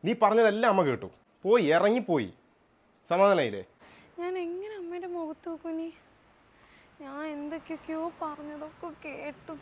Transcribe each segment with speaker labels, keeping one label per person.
Speaker 1: നീ പറഞ്ഞതെല്ലാം അമ്മ കേട്ടു. പോയി ഇറങ്ങിപ്പോയി. സമാധാനായില്ലേ?
Speaker 2: ഞാൻ എങ്ങനെ അമ്മയുടെ മുഖത്ത് നോക്കും നീ? ഞാൻ എന്തൊക്കെയൊക്കെയോ പറഞ്ഞതൊക്കെ കേട്ടു.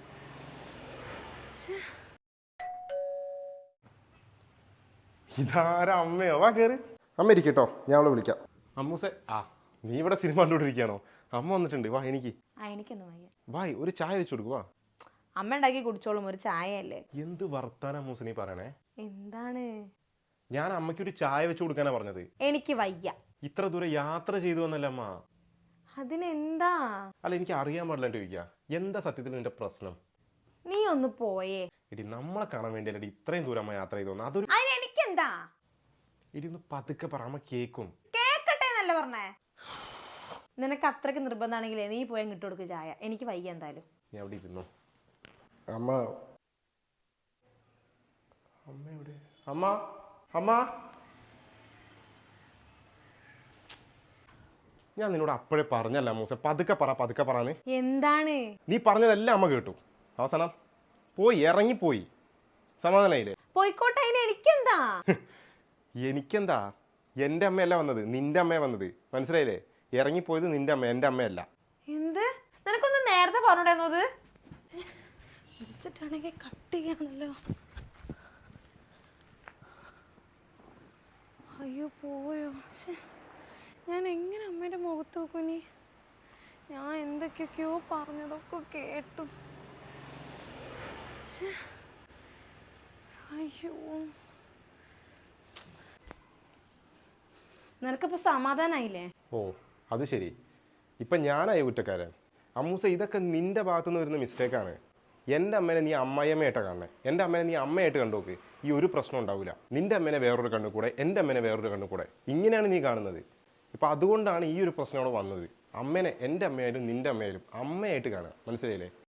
Speaker 1: ഇതാരാ അമ്മയോ? വാ കയറി. അമ്മ ഇരിക്കട്ടോ, ഞാൻ അവളെ വിളിക്കാം. അമ്മൂസെ, നീ ഇവിടെ സിനിമ കണ്ടുകൊണ്ടിരിക്കുകയാണോ? അമ്മ വന്നിട്ടുണ്ട്, വാ.
Speaker 3: എനിക്കൊന്നും വയ്യ.
Speaker 1: വാ, ഒരു ചായ വെച്ച് കൊടുക്കുക. വാ.
Speaker 3: അമ്മ ഉണ്ടാക്കി കുടിച്ചോളും, ഒരു ചായ അല്ലേ.
Speaker 1: എന്ത് വർത്താനം അമ്മൂസ നീ പറയണേ?
Speaker 3: എന്താണ്?
Speaker 1: ഞാൻ അമ്മയ്ക്ക് ഒരു ചായ വെച്ച് കൊടുക്കാനാ പറഞ്ഞത്.
Speaker 3: എനിക്ക് വയ്യ.
Speaker 1: ഇത്ര ദൂരം യാത്ര ചെയ്തു വന്നല്ലേ അമ്മ?
Speaker 3: അതിനെന്താ?
Speaker 1: അല്ല, എനിക്ക് അറിയാൻ പാടില്ല ചോദിക്കുക. എന്താ സത്യത്തിൽ നിന്റെ പ്രശ്നം?
Speaker 3: നീ ഒന്ന് പോയേ.
Speaker 1: എടി, നമ്മളെ കാണാൻ വേണ്ടിയല്ലേ ഇത്രയും ദൂരം അമ്മ യാത്ര ചെയ്തു വന്നത്. അതൊരു
Speaker 3: എനിക്കെന്താ?
Speaker 1: എടി, ഒന്ന് പതുക്കെ പറ, അമ്മ കേക്കും.
Speaker 3: കേക്കട്ടെ എന്നല്ലേ പറഞ്ഞേ? നിനക്ക് അത്രയ്ക്ക് നിർബന്ധമാണെങ്കിലേ നീ പോയാൽ ഇട്ട് കൊടുക്ക് ചായ. എനിക്ക് വയ്യ എന്തായാലും.
Speaker 1: നീ അവിടെ ഇരുന്നു. അമ്മ അമ്മ എവിടെ? അമ്മ അമ്മ ഞാൻ നിന്നോട് അപ്പോഴേ പറഞ്ഞല്ല മൂസ, പതുക്കെ പറയാന്.
Speaker 3: എന്താണ്?
Speaker 1: നീ പറഞ്ഞതെല്ലാം അമ്മ കേട്ടു. അവസാനം പോയി ഇറങ്ങിപ്പോയി. സമാധാനായില്ലേ?
Speaker 3: പോയിക്കോട്ടെ, എനിക്കെന്താ?
Speaker 1: എനിക്കെന്താ? എൻ്റെ അമ്മയല്ല വന്നത്, നിന്റെ അമ്മയാ വന്നത്. മനസ്സിലായില്ലേ? ഇറങ്ങിപ്പോയത് നിന്റെ അമ്മ, എൻ്റെ അമ്മയല്ല.
Speaker 3: എന്ത്? നിനക്കൊന്ന് നേരത്തെ പറഞ്ഞിട്ടുണ്ടായിരുന്നത്? വിളിച്ചിട്ടാണെങ്കിൽ കട്ട് ചെയ്യാണല്ലോ.
Speaker 2: അയ്യോ, പോയോ? ഞാൻ എങ്ങനെ അമ്മയുടെ മുഖത്ത് നോക്കും നീ? ഞാൻ എന്തൊക്കെയൊക്കെയോ പറഞ്ഞതൊക്കെ കേട്ടു. അയ്യോ,
Speaker 3: നിനക്കിപ്പോ സമാധാനായില്ലേ?
Speaker 1: ഓ, അത് ശരി. ഇപ്പം ഞാനായി കുറ്റക്കാരൻ. അമ്മൂസ, ഇതൊക്കെ നിന്റെ ഭാഗത്തുനിന്ന് വരുന്ന മിസ്റ്റേക്കാണ്. എൻ്റെ അമ്മേനെ നീ അമ്മായിയമ്മയായിട്ടാണ് കാണണേ. എൻ്റെ അമ്മേനെ നീ അമ്മയായിട്ട് കണ്ടുനോക്ക്. ഈ ഒരു പ്രശ്നം ഉണ്ടാവില്ല. നിന്റെ അമ്മേനെ വേറൊരു കണ്ണു കൂടെ, എൻ്റെ അമ്മേനെ വേറൊരു കണ്ണു കൂടെ, ഇങ്ങനെയാണ് നീ കാണുന്നത്. ഇപ്പം അതുകൊണ്ടാണ് ഈ ഒരു പ്രശ്നം അവിടെ വന്നത്. അമ്മേനെ എൻ്റെ അമ്മയായാലും നിന്റെ അമ്മയായാലും അമ്മയായിട്ട് കാണുക. മനസ്സിലായില്ലേ?